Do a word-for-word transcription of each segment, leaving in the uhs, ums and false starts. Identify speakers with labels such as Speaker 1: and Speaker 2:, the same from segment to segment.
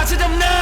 Speaker 1: ชดำเนิ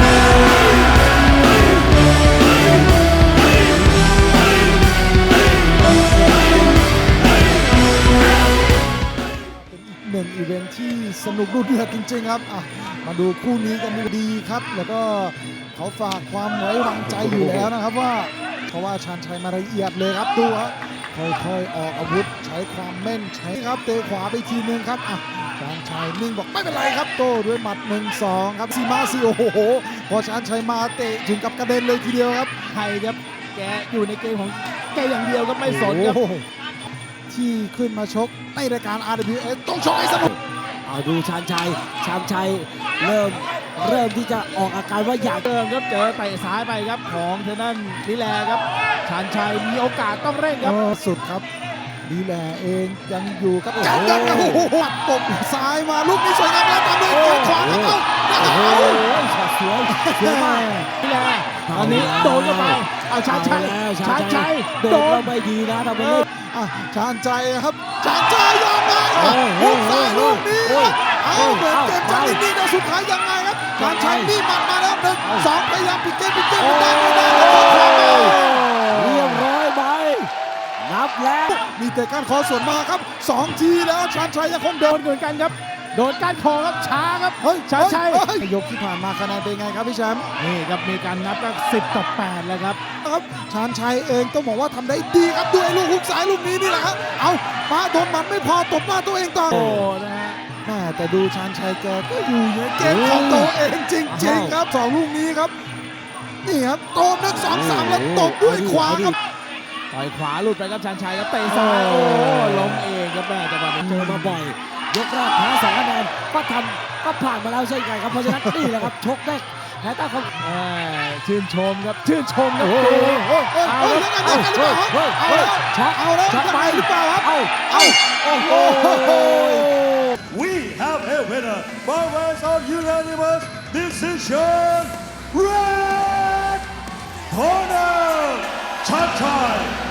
Speaker 2: น หนึ่งอีเวนท์ที่สนุกดุเดือดจริงๆครับอ่ะมาดูคู่นี้กันดีครับแล้วก็เขาฝากความไว้วางใจอยู่แล้วนะครับว่าเพราะว่าชาญชัยมาละเอียดเลยครับดูครับค่อยๆออกอาวุธใช้ความแม่นใช้ครับเตะขวาไปทีนึงครับอ่ะชาญชัยนิ่งบอกไม่เป็นไรครับโต้ด้วยหมัด หนึ่งสอง ครับซีมาซีโอ้โหพอชาญชัยมาเตะถึงกับกระเด็นเลยทีเดียวครับ
Speaker 3: ไทยครับแกอยู่ในเกมของแกอย่างเดียวก็ไม่สนครับ
Speaker 2: ที่ขึ้นมาชกในรายการ อาร์ ดับเบิลยู เอส ต้องชกให้สนุก
Speaker 4: เอาดูชาญชัยชาญชัยเริ่มเริ่มที่จะออกอาการว่าอยาก
Speaker 3: เติมครับเจอเตะซ้ายไปครับของเทนั่นนิแลครับชาญชัยมีโอกาสต้องเร่งครับ
Speaker 2: สุดครับดีแลเองยังอยู่กับจังยังโอ้โหปัดตบซ้ายมาลูกนี้สวยงามแล้วตามด้วยขวาครับเอา
Speaker 4: โอ้โหช็อตสวยสวยมาก
Speaker 3: นิแลตอนนี้โดนเข้าไปเอาชาญชัยชาญชัย
Speaker 4: โดนไม่ดีนะทำไม
Speaker 2: ชาญชัยครับชาญชัยยังไงลูกซ้ายลูกนี้เอาเหมือนเกมจะนิ่งๆแต่สุดท้ายยังไงครับชาญชัยนี่มันมาแล้วหนึ่งสองพยายามปิดเกมปิดเกมไม่ได้ไม่ได้
Speaker 4: เรียบร้อยไปนับแล้ว
Speaker 2: มีแต่การขอส่วนมาครับสองทีแล้วชาญชัยยังคงโดนเหมือนกันครับ
Speaker 3: โดนการคอครับช้าครับเฮ้ยชาญชัย
Speaker 2: ยกที่ผ่านมาคะแนนเป็นไงครับพี่แชมป์
Speaker 3: นี่ครับมีการนับก็สิบต่อแปดแล้วครับ
Speaker 2: ครับชาญชัยเองต้องบอกว่าทำได้ดีครับด้วยลูกฮุกซ้ายลูกนี้นี่แหละครับเอามาโดนมันไม่พอตบหน้าตัวเองต่อ
Speaker 3: โอ้นะฮะ
Speaker 2: แม่แต่ดูชาญชัยแกก็อยู่ในเกมของตัวเองจริงๆครับสองลูกนี้ครับนี่ครับโตบนักสองสามแล้วตบด้วยขวาครับ
Speaker 3: ต่อยขวาหลุดไปครับชาญชัยครับเตะซ้ายโอ้ล้มเองครับแม่จังหวะนี้
Speaker 4: เจอมาบ่อยยกแรกแพ้สองคะแนนก็ทำก็ผ่านมาแล้วเช่นกันครับเพราะฉะนั้นนี่แหละครับชกได้แพ้ตั้งเขา
Speaker 3: ชื่นชมครับชื่นชมครับ
Speaker 2: เอาแล้วเอาแล้วเอาแล้วช็อตเอาแล้วช็อตไปหรือเปล่าครับเอาเอาโอ้โห
Speaker 5: We have a winner by ways of unanimous decision. Red corner, Chanchay.